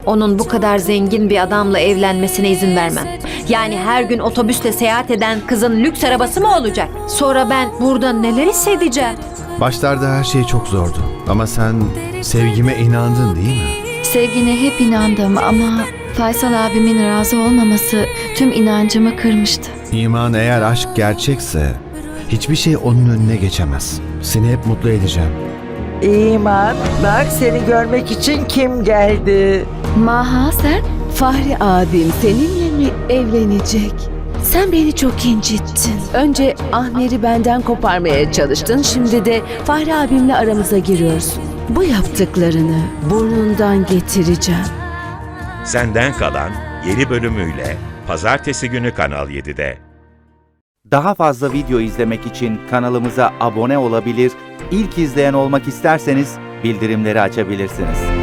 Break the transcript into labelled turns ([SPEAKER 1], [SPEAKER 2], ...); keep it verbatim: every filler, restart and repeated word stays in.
[SPEAKER 1] Onun bu kadar zengin bir adamla evlenmesine izin vermem. Yani her gün otobüsle seyahat eden kızın lüks arabası mı olacak? Sonra ben burada neler hissedeceğim?
[SPEAKER 2] Başlarda her şey çok zordu. Ama sen sevgime inandın değil mi?
[SPEAKER 3] Sevgine hep inandım ama Faysal abimin razı olmaması tüm inancımı kırmıştı.
[SPEAKER 2] İman eğer aşk gerçekse hiçbir şey onun önüne geçemez. Seni hep mutlu edeceğim.
[SPEAKER 4] İman, bak seni görmek için kim geldi?
[SPEAKER 3] Maha sen?
[SPEAKER 5] Fahri abim seninle mi evlenecek? Sen beni çok incittin. Önce Ahmer'i benden koparmaya çalıştın. Şimdi de Fahri abimle aramıza giriyorsun. Bu yaptıklarını burnundan getireceğim.
[SPEAKER 6] Senden Kalan yeni bölümüyle Pazartesi günü Kanal yedide.
[SPEAKER 7] Daha fazla video izlemek için kanalımıza abone olabilir, ilk izleyen olmak isterseniz bildirimleri açabilirsiniz.